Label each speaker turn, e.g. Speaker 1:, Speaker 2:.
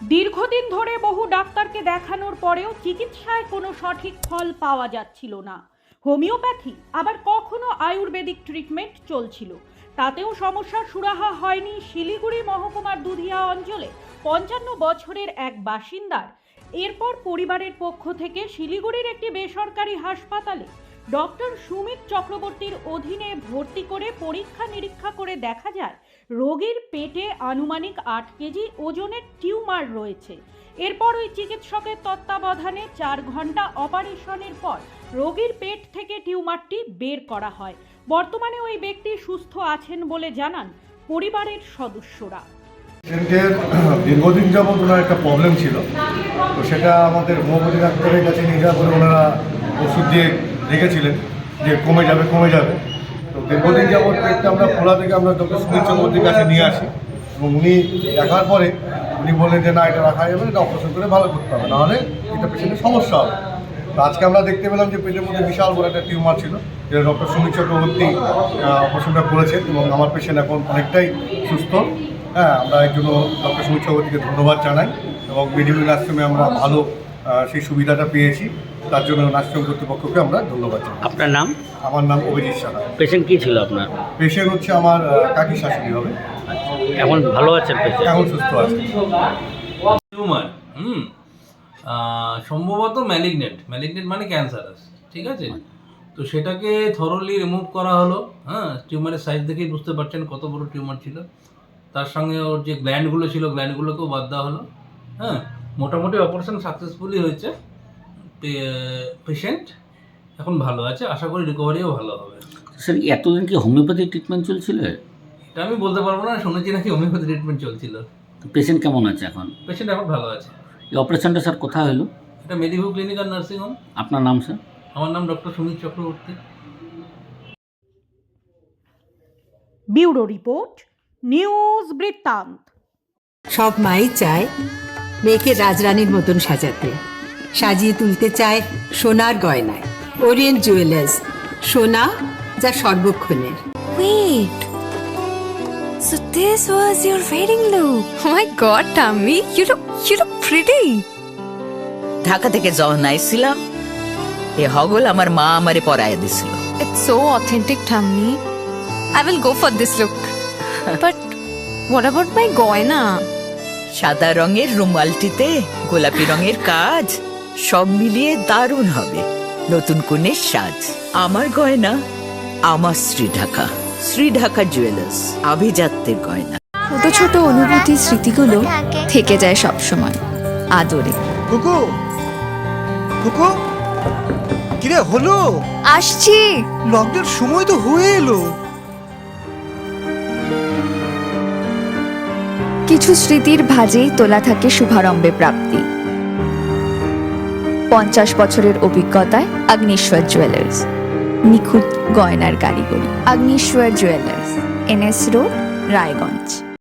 Speaker 1: দীর্ঘদিন ধরে বহু ডাক্তারকে দেখানোর পরেও চিকিৎসায় কোনো সঠিক ফল পাওয়া যাচ্ছিল না। হোমিওপ্যাথি আবার কখনো আয়ুর্বেদিক ট্রিটমেন্ট চলছিল, তাতেও সমস্যার সুরাহা হয়নি শিলিগুড়ি মহকুমার দুধিয়া অঞ্চলে 55 বছরের এক বাসিন্দার। এরপর পরিবারের পক্ষ থেকে শিলিগুড়ির একটি বেসরকারি হাসপাতালে ডক্টর সুমিত চক্রবর্তীর অধীনে ভর্তি করে পরীক্ষা নিরীক্ষা করে দেখা যায় রোগীর পেটে আনুমানিক 8 কেজি ওজনের টিউমার রয়েছে। এরপর ওই চিকিৎসকের তত্ত্বাবধানে 4 ঘন্টা অপারেশনের পর রোগীর পেট থেকে টিউমারটি বের করা হয়। বর্তমানে ওই ব্যক্তি সুস্থ আছেন বলে জানান পরিবারের সদস্যরা।
Speaker 2: পেশেন্টের দীর্ঘদিন যাবৎ ওনার একটা প্রবলেম ছিল, তো সেটা আমাদের হোমিওপ্যাথি ডাক্তারের কাছে নিয়ে যাওয়ার পরে ওনারা ওষুধ দিয়ে রেখেছিলেন যে কমে যাবে। তো দীর্ঘদিন যাবৎ পেটটা আমরা খোলা থেকে আমরা ডক্টর সুমিত চক্রবর্তীর কাছে নিয়ে আসি এবং উনি দেখার পরে উনি বললেন যে না, এটা রাখা যাবে না, এটা অপারেশন করে ভালো করতে হবে, নাহলে এটা পেশেন্টের সমস্যা হবে। তো আজকে আমরা দেখতে পেলাম যে পেটের মধ্যে বিশাল বড় একটা টিউমার ছিল, যেটা ডক্টর সুমিত চক্রবর্তী অপারেশনটা করেছেন এবং আমার পেশেন্ট এখন অনেকটাই সুস্থ। আমরা এর জন্য ডক্টর সুমিত চক্রবর্তীকে ধন্যবাদ জানাই এবং মেডিকেল আশ্রমে আমরা ভালো সেই সুবিধাটা পেয়েছি, তার জন্য আশ্রম কর্তৃপক্ষকে আমরা ধন্যবাদ জানাই।
Speaker 3: আপনার নাম?
Speaker 2: আমার নাম অভিজিৎ সাহা।
Speaker 3: পেশেন্ট কি ছিল আপনার?
Speaker 2: পেশেন্ট হচ্ছে আমার কাকি শাশুড়ি হবে।
Speaker 3: এখন ভালো আছেন পেশেন্ট?
Speaker 2: এখন সুস্থ আছে।
Speaker 4: টিউমার সম্ভবত ম্যালিগনেন্ট মানে ক্যান্সারাস, ঠিক আছে। তো সেটাকে থরলি রিমুভ করা হলো। টিউমারের সাইজ দেখেই বুঝতে পারছেন কত বড় টিউমার ছিল। তার সঙ্গে ওর যে গ্ল্যান্ডগুলো ছিল, গ্ল্যান্ডগুলোকেও বাদ দেওয়া হলো। মোটামুটি অপারেশন সাকসেসফুলি হয়েছে। পেশেন্ট এখন ভালো আছে, আশা করি রিকভারিও ভালো হবে।
Speaker 3: স্যার, এতদিন কি হোমিওপ্যাথি ট্রিটমেন্ট চলছিল?
Speaker 4: এটা আমি বলতে পারবো না, শুনেছি নাকি হোমিওপ্যাথি ট্রিটমেন্ট চলছিল।
Speaker 3: পেশেন্ট কেমন আছে এখন?
Speaker 4: পেশেন্ট এখন ভালো আছে।
Speaker 3: এই অপারেশনটা স্যার কোথায় হলো?
Speaker 4: এটা মেডিভিউ ক্লিনিক আর নার্সিং হোম।
Speaker 3: আপনার নাম স্যার?
Speaker 4: আমার নাম doctor Sumit Chakraborty.
Speaker 1: Bureau report, news বৃত্তান্ত।
Speaker 5: সব মাই চায় মেয়েকে রাজরানীর মতন সাজাতে, সাজিয়ে তুলতে চায় সোনার গয়নায়। ওরিয়েন্ট জুয়েলার্স, সোনা যা সর্বক্ষণের।
Speaker 6: Wait, so this was your wedding look? Oh my god, Tammy, you look pretty.
Speaker 7: Dhaka থেকে যখন আইছিলাম এ হগল আমার মা আমারে পরায় দিছিল।
Speaker 6: It's so authentic, Tammy. I will go for this look. But what about my goina?
Speaker 7: সাদা রঙের রুমালটিতে গোলাপি রঙের কাজ, সব মিলিয়ে দারুণ হবে নতুন কনের সাজ। আমার গয়না আমার শ্রীঢাকা জুয়েলার্স, আভিজাত্যের গয়না।
Speaker 6: ছোট ছোট অনুভূতি, স্মৃতিগুলো থেকে যায় সব সময় আদরে।
Speaker 8: কুকু কুকু, কিরে হলো?
Speaker 6: আসছি।
Speaker 8: লকডাউন সময় তো হয়ে এলো।
Speaker 6: কিছু স্মৃতির ভাজেই তোলা থাকে শুভারম্ভে প্রাপ্তি। 50 বছরের অভিজ্ঞতায় আগ্নেশ্বর জুয়েলার্স, নিখুঁত গয়নার কারিগরি। Agneshwar jewellers, NS road, Raiganj.